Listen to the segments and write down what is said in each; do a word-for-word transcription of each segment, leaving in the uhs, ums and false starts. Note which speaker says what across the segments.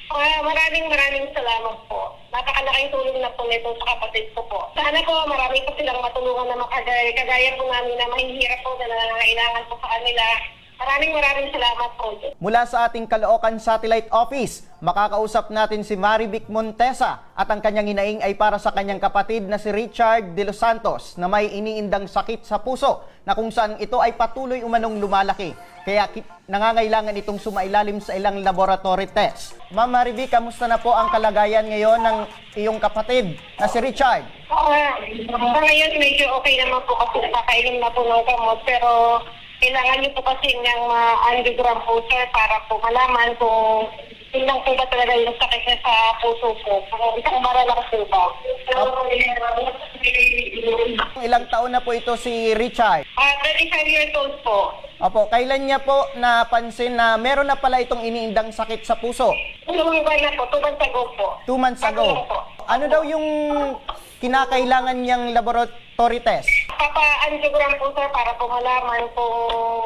Speaker 1: Ah, maraming maraming salamat po. Napakalaking tulong na po nito sa kapatid ko po. Sana po marami po silang matulungan na makagaya, kagaya po namin na mahihirap po na nangangailangan po sa kanila. Maraming maraming salamat po.
Speaker 2: Mula sa ating Caloocan Satellite Office, makakausap natin si Marivic Montesa at ang kanyang inaing ay para sa kanyang kapatid na si Richard De Los Santos na may iniindang sakit sa puso na kung saan ito ay patuloy umanong lumalaki. Kaya nangangailangan itong sumailalim sa ilang laboratory test. Ma'am Marivic, kamusta na po ang kalagayan ngayon ng iyong kapatid na si Richard?
Speaker 1: Uh, sa ngayon medyo okay naman po kasi nakakainom na po ng gamot pero kailangan niyo po kasi ng ma-angiogram po sir para po malaman kung yun lang po ba talaga yung sakit niya sa puso po. Kung isang bara lang po ba.
Speaker 2: Ilang taon na po ito si Richard?
Speaker 1: Ah, thirty-five years old po.
Speaker 2: Opo, kailan niya po napansin na meron na pala itong iniindang sakit sa puso?
Speaker 1: Tulungan na po, two months ago po.
Speaker 2: Two months ago. Ano daw yung kinakailangan niyang laboratory test?
Speaker 1: Papa-angiogram po sir para po malaman kung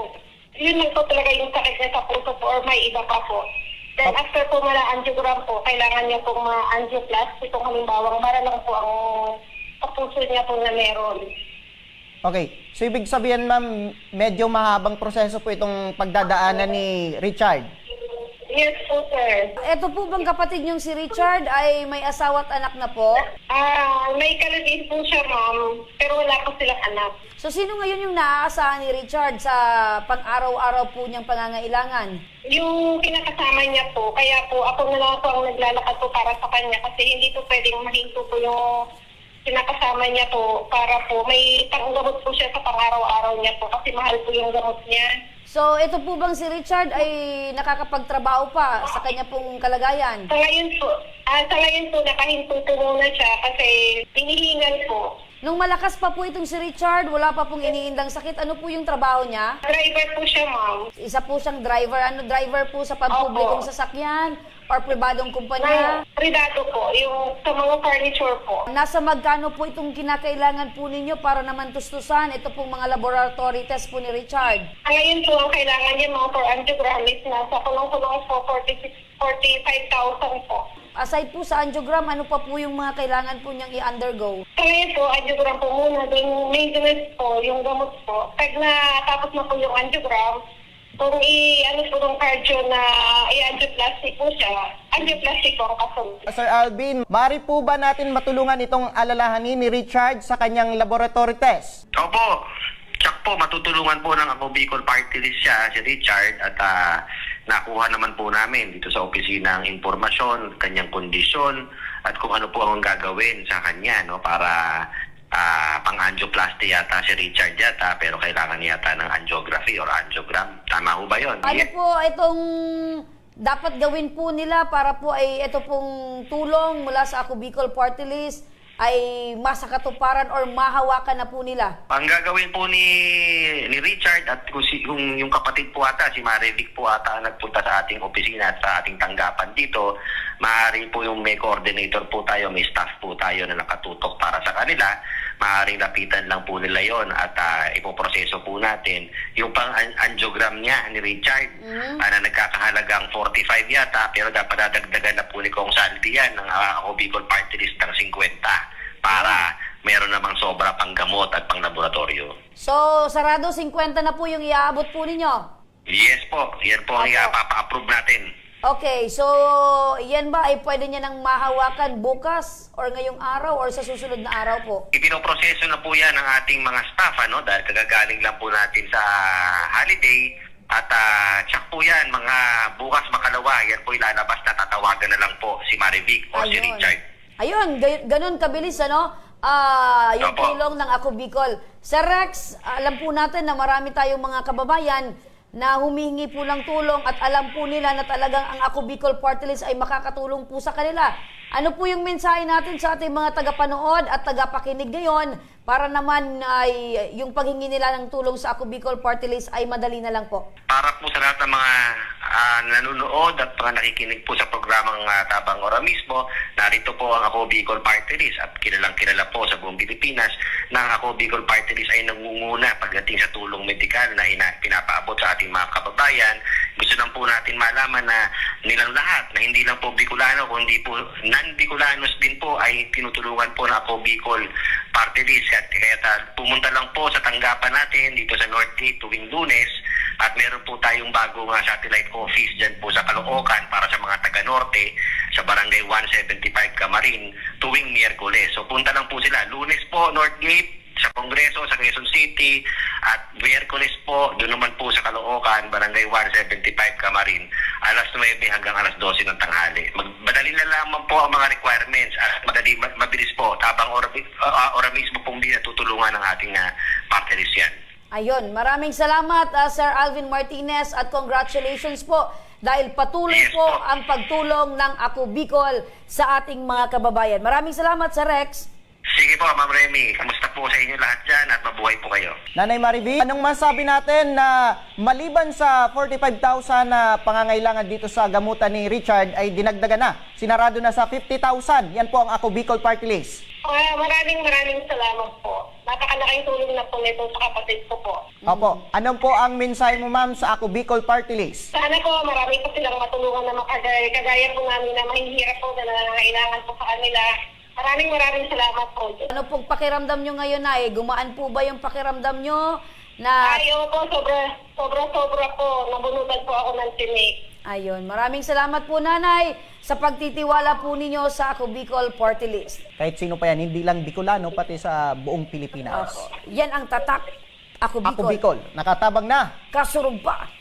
Speaker 1: yun lang po talaga yung sakit niya sa puso po or may iba pa po. Then after po mala-angiogram po, kailangan niya pong ma-angioplasty kung halimbawa para lang po ang sa puso niya po na meron.
Speaker 2: Okay, so ibig sabihin ma'am, medyo mahabang proseso po itong pagdadaanan ni Richard.
Speaker 1: Yes po sir.
Speaker 3: Ito po bang kapatid niyong si Richard ay may asawa at anak na po?
Speaker 1: Ah, may kalagin po siya ma'am, pero wala po silang anak.
Speaker 3: So sino ngayon yung naaasahan ni Richard sa pang-araw-araw po niyang pangangailangan?
Speaker 1: Yung pinakasama niya po, kaya po ako na lang po ang naglalakad po para sa kanya kasi hindi po pwedeng mahinto po yung pinakasama niya po para po may panggamot po siya sa pang-araw-araw niya po kasi mahal po yung gamot niya.
Speaker 3: So ito po bang si Richard ay nakakapagtrabaho pa sa kanya pong kalagayan?
Speaker 1: Sa ngayon po, ah, sa ngayon po nakahinto po muna siya kasi hinihingal po.
Speaker 3: Nung malakas pa po itong si Richard, wala pa pong iniindang sakit, ano po yung trabaho niya?
Speaker 1: Driver po siya ma'am.
Speaker 3: Isa po siyang driver, ano driver po sa pampublikong
Speaker 1: Opo.
Speaker 3: sasakyan or pribadong kumpanya?
Speaker 1: Na, privado po, yung sa mga furniture po.
Speaker 3: Nasa magkano po itong kinakailangan po ninyo para naman tustusan ito pong mga laboratory test po ni Richard?
Speaker 1: Ang ngayon po ang kailangan niya mga for angiogram is nasa kulong-kulong po forty-six, forty-five thousand po.
Speaker 3: Aside po sa angiogram, ano pa po yung mga kailangan po niyang i-undergo?
Speaker 1: Sa ngayon po, angiogram po muna, then maintenance po, yung gamot po. Pag natapos na po yung angiogram, kung i-ano po yung cardio na i-angioplasty po siya, angioplasty po ang kasunod.
Speaker 2: Sir Alvin, mari po ba natin matulungan itong alalahanin ni Richard sa kanyang laboratory test?
Speaker 4: Opo. Tsak po, matutulungan po ng ako Bicol Party List siya, si Richard, at uh, nakuha naman po namin dito sa opisina ang impormasyon, kanyang kondisyon, at kung ano po ang gagawin sa kanya, no, para uh, pang-angioplasty yata si Richard yata, pero kailangan yata ng angiography or angiogram. Tama ho ba yun?
Speaker 3: Ano po itong dapat gawin po nila para po ay ito pong tulong mula sa Ako Bicol Party List ay masakatuparan or mahawakan na po nila?
Speaker 4: Ang gagawin po ni ni Richard at kung, si, kung yung kapatid po ata, si Marivic po ata ang nagpunta sa ating opisina at sa ating tanggapan dito, maaari po yung may coordinator po tayo, may staff po tayo na nakatutok para sa kanila, maaaring lapitan lang po nila yon at uh, ipoproseso po natin yung pang-angiogram niya ni Richard, mm-hmm. uh, na nagkakahalagang forty-five yata, pero dapat dadagdagan na po ni Kong Saldi yan ng uh, Ako Bicol Party List ng fifty para meron namang sobra pang gamot at pang laboratorio.
Speaker 3: So, sarado fifty na po yung iaabot po ninyo?
Speaker 4: Yes po, yan po ang
Speaker 3: Opo.
Speaker 4: ipapa-approve natin.
Speaker 3: Okay, so yan ba ay pwede niya nang mahawakan bukas or ngayong araw or sa susunod na araw po?
Speaker 4: Ipinoproseso na po yan ng ating mga staff, ano, dahil kagagaling lang po natin sa holiday at uh, tsak po yan, mga bukas makalawa, yan po ilalabas na tatawagan na lang po si Marivic o si Richard.
Speaker 3: Ayun, gay- ganun kabilis, ano? Ah, yung
Speaker 4: Opo.
Speaker 3: tulong ng Ako Bicol. Sir Rex, alam po natin na marami tayong mga kababayan na humihingi po ng tulong at alam po nila na talagang ang Ako Bicol Party List ay makakatulong po sa kanila. Ano po yung mensahe natin sa ating mga tagapanood at tagapakinig ngayon para naman ay yung paghingi nila ng tulong sa Ako Bicol Party List ay madali na lang po?
Speaker 4: Para po sa lahat ng mga uh, nanonood at mga nakikinig po sa programang uh, Tabang Ora mismo, narito po ang Ako Bicol Party List at kilalang kilala po sa buong Pilipinas na ang Ako Bicol Party List ay nangunguna pagdating sa tulong medikal na ina- pinapaabot sa ating mga kababayan Gusto lang po natin malaman na nilang lahat, na hindi lang po Bicolano, kundi po non-Bicolanos din po ay tinutulungan po na Ako Bicol Party List. At kaya ta, pumunta lang po sa tanggapan natin dito sa Northgate tuwing Lunes at meron po tayong bagong uh, satellite office dyan po sa Caloocan para sa mga taga-Norte sa Barangay one seventy-five Camarin tuwing Miyerkules. So punta lang po sila. Lunes po, Northgate, sa Kongreso, sa Quezon City, at Miyerkules po, doon naman po sa Caloocan, Barangay one seventy-five Camarin, alas nuwebe hanggang alas dose ng tanghali. Mag- madali na lamang po ang mga requirements at madali, ma- mabilis po, tabang ora, uh, ora mismo pong di natutulungan ng ating uh, party list yan.
Speaker 3: Ayun, maraming salamat uh, Sir Alvin Martinez at congratulations po dahil patuloy
Speaker 4: Yes
Speaker 3: po
Speaker 4: po.
Speaker 3: ang pagtulong ng Ako Bicol sa ating mga kababayan. Maraming salamat Sir Rex.
Speaker 4: Sige po, Ma'am Remy, kamusta po sa inyo lahat dyan at mabuhay po kayo.
Speaker 2: Nanay Marivic, anong masabi natin na maliban sa forty-five thousand na pangangailangan dito sa gamutan ni Richard ay dinagdagan na, sinarado na sa fifty thousand. Yan po ang Ako Bicol Party List.
Speaker 1: Ah, maraming maraming salamat po. Napakalaking tulong na po nito sa kapatid ko po.
Speaker 2: Opo, anong po ang mensahe mo ma'am sa Ako Bicol Party List?
Speaker 1: Sana po marami po silang matulungan na makagaya, kagaya po namin na mahihirap po na nangangailangan po sa kanila. Maraming maraming salamat po.
Speaker 3: Ano pong pakiramdam nyo ngayon na eh? Gumaan po ba yung pakiramdam nyo na...
Speaker 1: Ayaw po, sobra, sobra, sobra po. Nabunutan po ako ng tinik.
Speaker 3: Ayun, maraming salamat po nanay sa pagtitiwala po ninyo sa Ako Bicol Party List.
Speaker 2: Kahit sino pa yan, hindi lang Bicolano, pati sa buong Pilipinas.
Speaker 3: Yan ang tatak. Ako Bicol.
Speaker 2: Ako Bicol, nakatabang na.
Speaker 3: Kasurog pa.